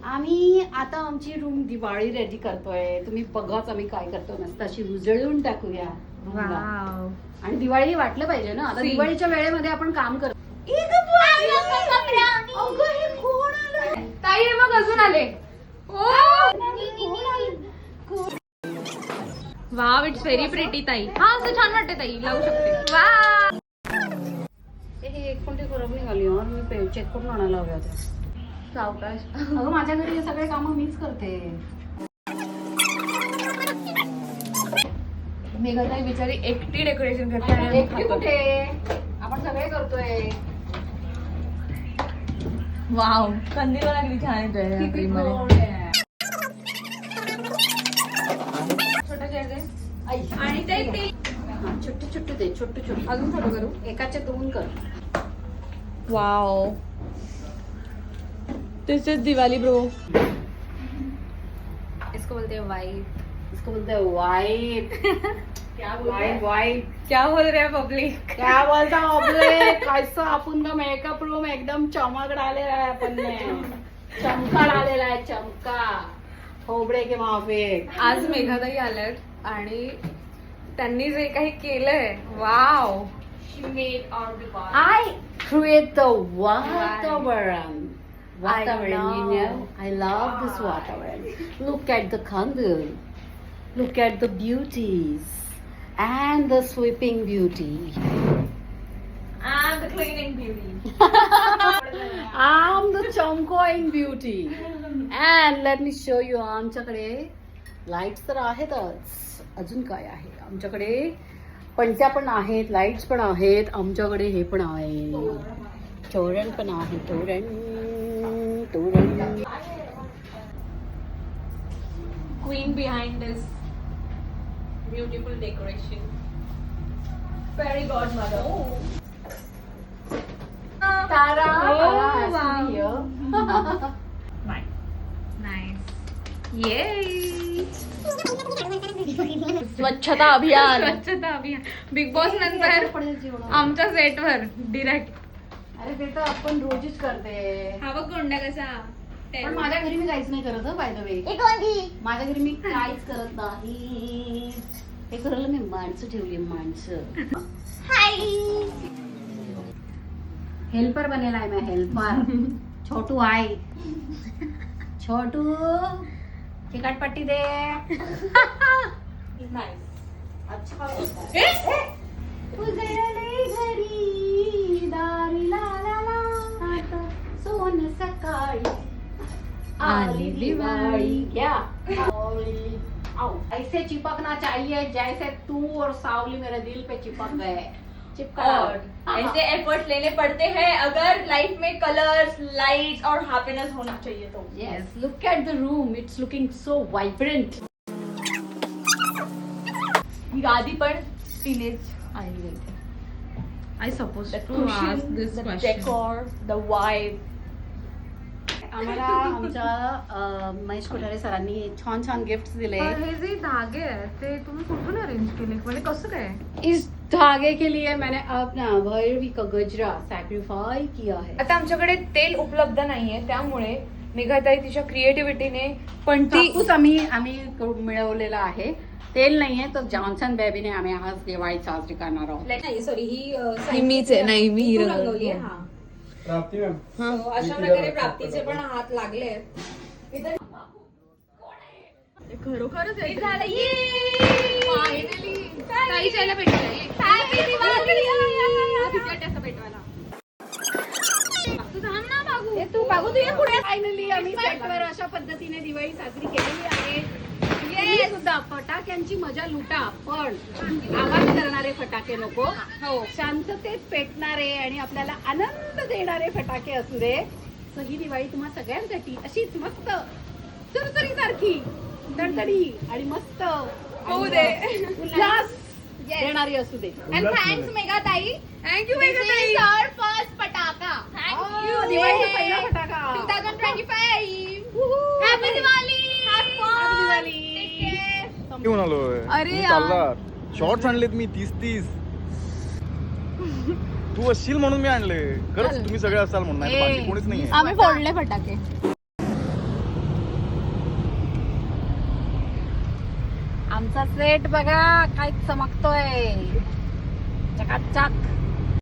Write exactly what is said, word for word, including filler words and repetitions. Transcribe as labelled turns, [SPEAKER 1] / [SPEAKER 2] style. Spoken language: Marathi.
[SPEAKER 1] आम्ही आता आमची रूम दिवाळी रेडी करतोय. तुम्ही बघाच आम्ही काय करतो. मस्त अशी उजळून टाकूया रूमला. आणि दिवाळी वाटलं पाहिजे ना. आता दिवाळीच्या वेळेमध्ये आपण काम करतो.
[SPEAKER 2] ताई मग अजून आले. वाव, इट्स व्हेरी प्रिटी ताई. हा असं छान वाटते ताई, लावू शकते. वा
[SPEAKER 1] हे एक कोणती खराब निघाली यार. मी चेक करून आणायला हव्या होत्या.
[SPEAKER 2] सावकाश.
[SPEAKER 1] अगं माझ्या घरी हे सगळे कामं मीच करते.
[SPEAKER 2] मेघाताई बिचारी एकटी डेकोरेशन करते आणि
[SPEAKER 1] एकटी कुठे, आपण सगळे करतोय.
[SPEAKER 2] वाव, कंदील लागली छान येतोय. छोटा घ्यायचे आणि ते ते
[SPEAKER 1] छोटे छोटे दे, छोटे छोटे.
[SPEAKER 2] अजून छोटं करू.
[SPEAKER 1] एकाचे दोन कर.
[SPEAKER 2] Wow, this is Diwali bro.
[SPEAKER 1] इसको बोलते हैं वाइट. इसको बोलते हैं वाइट. क्या वाइट वाइट
[SPEAKER 2] क्या बोल रहे हैं पब्लिक?
[SPEAKER 1] क्या बोलता पब्लिक? कैसा आपण का मेकअप रूम एकदम चमक डालेला आहे. आपण ने चमका डालेला आहे. चमका खोबडे के माफे.
[SPEAKER 2] आज मेघाताई आल्यात आणि त्यांनी जे काही केलंय, वाव.
[SPEAKER 1] I create the वातावरण. Watermelon, you know, I love this watermelon. Look at the candle. Look at the beauties and the sweeping beauty.
[SPEAKER 2] I'm the cleaning beauty.
[SPEAKER 1] I'm the chomkoing beauty. And let me show you, आमच्याकडे लाईट्स तर आहेतच. अजून काय आहे आमच्याकडे? पणत्या पण आहेत, लाईट्स पण आहेत. आमच्याकडे हे पण आहे, तोरण पण आहे. तोरण तोरण.
[SPEAKER 2] Queen behind this beautiful decoration. Fairy godmother.
[SPEAKER 1] Tara.
[SPEAKER 2] Oh,
[SPEAKER 1] Tara has to be here.
[SPEAKER 2] Nice. Yay! स्वच्छता अभियान. स्वच्छता अभियान. बिग बॉस नंतर आमच्या सेटवर डिरेक्ट.
[SPEAKER 1] अरे ते तर आपण रोजच करते.
[SPEAKER 2] हा बघ गोंडा कसा.
[SPEAKER 1] पण माझ्या घरी मी काहीच नाही करत बाय द वे. माझ्या घरी मी काहीच करत नाही. हे करायला मी माणसं ठेवली. माणसं हेल्पर बनेला आहे. मैं हेल्पर. छोटू आहे. छोटू चिकटपट्टी दे. अच्छा उजळले घरी दारी ला ला ला सोन सकाळी आली दिवाळी. क्या आओ, ऐसे चिपकना चाहिए जैसे तू और सावली मेरे दिल पे चिपक गए. चिपका.
[SPEAKER 2] ऐसे एफर्ट्स लेने पड़ते हैं अगर लाइफ में कलर्स, लाइट्स और हैप्पीनेस होना चाहिए तो.
[SPEAKER 1] Yes, look at the room. It's looking so vibrant.
[SPEAKER 2] ही गादी पण तिनेच आणली होती. I suppose to ask this
[SPEAKER 3] the
[SPEAKER 2] question.
[SPEAKER 3] decor, the vibe.
[SPEAKER 1] आम्हाला आमच्या अं, महेश कोठारे सरांनी छान छान गिफ्ट दिले.
[SPEAKER 2] पण हे जे धागे आहेत ते तुम्ही कुठून अरेंज केले, म्हणजे कसं काय?
[SPEAKER 1] इस धागे के लिए मैंने अपना भैरवी का गजरा सैक्रिफाई किया है.
[SPEAKER 2] आता आमच्याकडे तेल उपलब्ध नाहीये, त्यामुळे मेघाताई तिच्या क्रिएटिव्हिटीने पण ती
[SPEAKER 1] कापूस आम्ही आम्ही करून मिळवलेला आहे. तेल नाहीये तर जॉन्सन बेबीने आम्ही आज दिवाळी साजरी करणार आहोत.
[SPEAKER 2] नाही सॉरी ही मीच आहे. नाही मी ही रंगवली आहे. हा
[SPEAKER 4] प्राप्ती मॅम.
[SPEAKER 2] So, अशा प्रकारे प्राप्तीचे पण हात लागले आहेत. खरोखरच हे झालं. फायनली ताई जायला भेटलं. हॅपी दिवाळी. तू थांब ना बागू.
[SPEAKER 1] तू बाबू तू ये पुढे. फायनली आम्ही सेटवर अशा पद्धतीने दिवाळी साजरी केलेली आहे. तुम्ही सुद्धा फटाक्यांची मजा लुटा, पण आवाज करणारे फटाके नको.
[SPEAKER 2] हो,
[SPEAKER 1] शांततेत पेटणारे आणि आपल्याला आनंद देणारे फटाके असू दे. सो ही दिवाळी तुम्हा सगळ्यांसाठी अशीच मस्त चुरचुरी सारखी दणदणी आणि मस्त
[SPEAKER 2] होऊ दे.
[SPEAKER 1] उल्हास देणारी असू दे.
[SPEAKER 2] And thanks मेघाताई. थँक्यू मेघाताई.
[SPEAKER 3] Our first pataka.
[SPEAKER 2] Thank you.
[SPEAKER 1] दिवाळीचा पहिला फटाका.
[SPEAKER 2] twenty twenty-five.
[SPEAKER 3] Happy Diwali.
[SPEAKER 1] Happy Diwali.
[SPEAKER 4] घेऊन आलोय.
[SPEAKER 2] अरे
[SPEAKER 4] तुम्ही
[SPEAKER 2] यार.
[SPEAKER 4] चाललात. शॉर्ट्स आणलेत मी तीस तीस. तू असशील म्हणून मी आणले. खरंच तुम्ही सगळे असाल म्हणून, नाही तर बाकी कोणीच नाहीये.
[SPEAKER 3] आम्ही फोडले फटाके.
[SPEAKER 1] आमचा सेट बघा काय चमकतोय चकाचक.